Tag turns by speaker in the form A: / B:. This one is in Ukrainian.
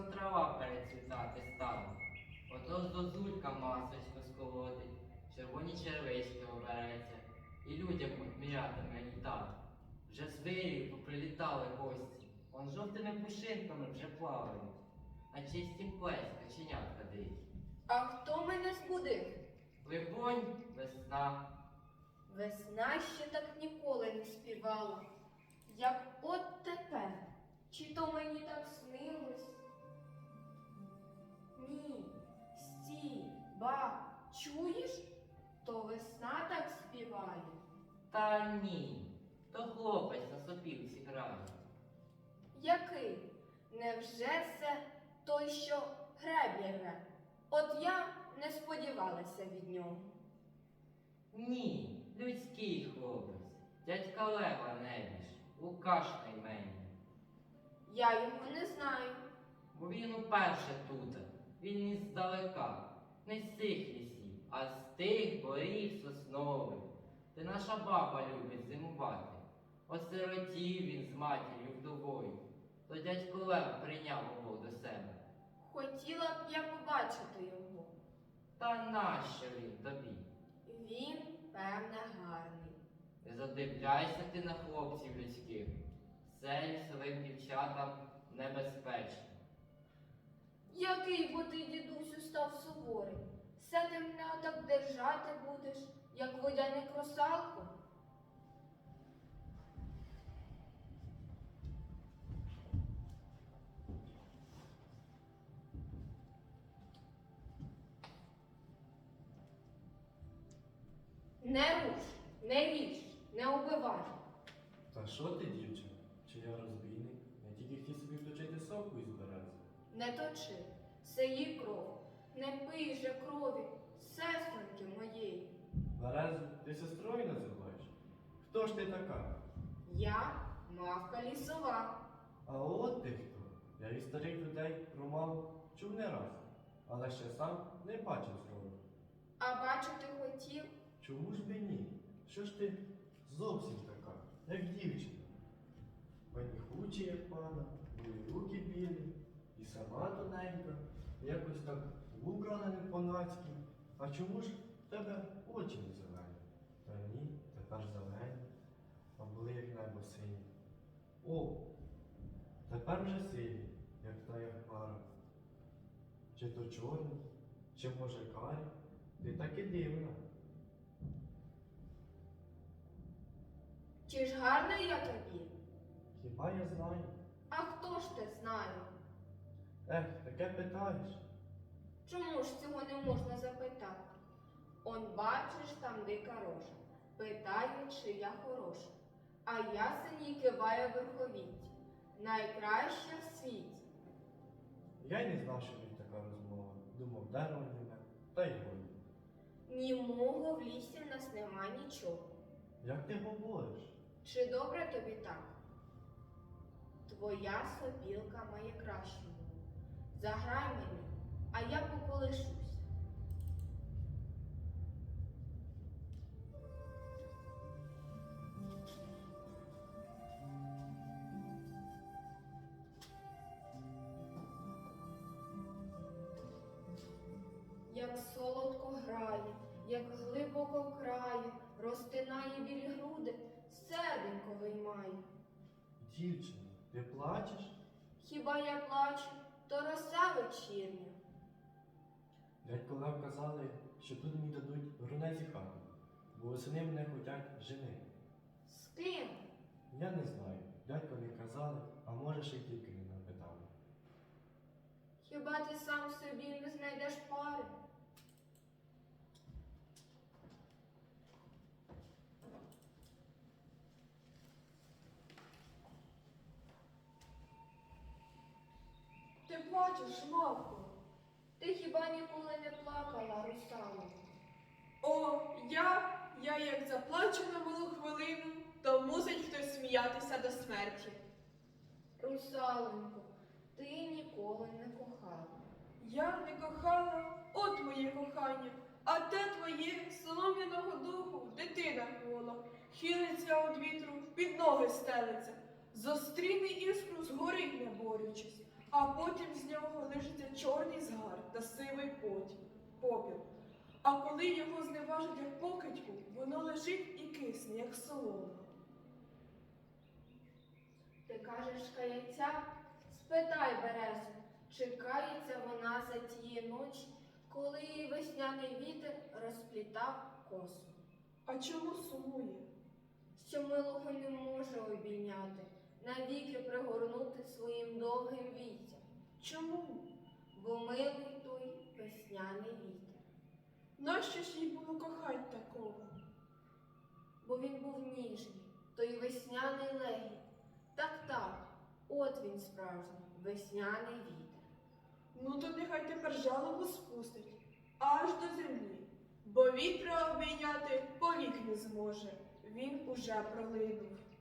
A: трава перецвітати стала. Ото зозулька масочку сколотить, червоні червички обереться, і людям мірятиме літати. Вже з вирію поприлітали гості, он жовтими пушинками вже плавають, а чистім плесь каченятка дикі.
B: А хто мене збудив?
A: Либонь, весна.
B: Весна ще так ніколи не співала, як от тепер. Чи то мені так снилось? Ні, стій, ба, чуєш? То весна так співає.
A: Та ні, то хлопець на сопілці грає.
B: Який? Невже це той, що греблі рве? От я не сподівалася від нього.
A: Ні, людський хлопець, дядька Лева небіж, Лукаш найменний.
B: Я його не знаю.
A: Бо він уперше тут, він не здалека, не з цих лісів, а з тих борів соснових, де наша баба любить зимувати. Осиротів він з матір'ю вдовою, то дядько Лев прийняв його до себе.
B: Хотіла б я побачити його.
A: Та нащо він тобі?
B: Він, певне, гарний.
A: Не задивляйся ти на хлопців людських, це лісовим дівчатам небезпечно.
B: Який бо ти, дідусю, став суворий? Все ти мене отак держати будеш, як водяник русалку? Не руш, не ріж, не убивай.
C: Та що ти, дівчина? Чи я розбійник? Я тільки хотів собі вточити соку із берези.
B: Не точи, це її кров. Не пий же крові, сестринки моєї.
C: Березу ти сестрою називаєш? Хто ж ти така?
B: Я мавка лісова.
C: А от ти хто? Я від старих людей про маму чув не раз, але ще сам не бачив зроду.
B: А бачити хотів?
C: Чому ж би ні? Що ж ти зовсім така, як дівчина? Паніхучі, як пана, і руки білі, і сама тоненька, і якось так вбрана не по-нацьки. А чому ж в тебе очі не зелені? Та ні, тепер зелені, а були як небо сині. О, тепер вже сині, як та як хмара. Чи то чорні, чи може карі? Ти таки дивна.
B: Чи ж гарна я тобі?
C: Хіба я знаю?
B: А хто ж те знає?
C: Таке питаєш.
B: Чому ж цього не можна запитати? Он бачиш, там дика рожа. Питає, чи я хороша. А ясень їй киває верховіття. Найкраща в світі.
C: Я й не знав, що тут така розмова. Думав, дерево німе, та й годі.
B: Німого в лісі в нас нема нічого.
C: Як ти говориш?
B: Чи добре тобі так? Твоя сопілка має кращу мову. Заграй мені, а я поколишуся. Як солодко грає, як глибоко крає, розтинає білі груди, серденько виймає.
C: Дівчино, ти плачеш?
B: Хіба я плачу, то роса вечірня.
C: Дядько Лев казали, що тут мені дадуть грунезі хату, бо восени мене хотять женити.
B: З ким?
C: Я не знаю, дядько не казали, а може ще й тільки не напитали.
B: Хіба ти сам собі не знайдеш пари? Ти плачеш, мавко? Ти хіба ніколи не плакала, русалко?
D: О, я як заплачу на малу хвилину, то мусить хтось сміятися до смерті.
B: Русалонько, ти ніколи не кохала.
D: Я не кохала, от моє кохання, а те твоє солом'яного духу дитина гола, хилиться від вітру, під ноги стелиться, зустріне іскру, згорить не борючись, а потім з нього лишиться чорний згар та сивий попіл. А коли його зневажать як покидьку, воно лежить і кисне, як солома.
B: Ти кажеш, каяться? Спитай березу, чи кається вона за тієї ночі, коли її весняний вітер розплітав косу.
D: А чому сумує?
B: Що милого не може обійняти, навіки пригорнути своїм довгим віттям,
D: Чому?
B: бо милий той весняний вітер.
D: Нащо ж їй було кохать такого?
B: Бо він був ніжний, той весняний легінь. Так, от він справжній, весняний вітер.
D: Ну то нехай тепер жалобу спустить аж до землі, бо вітра обійняти повік не зможе, він уже пролинув.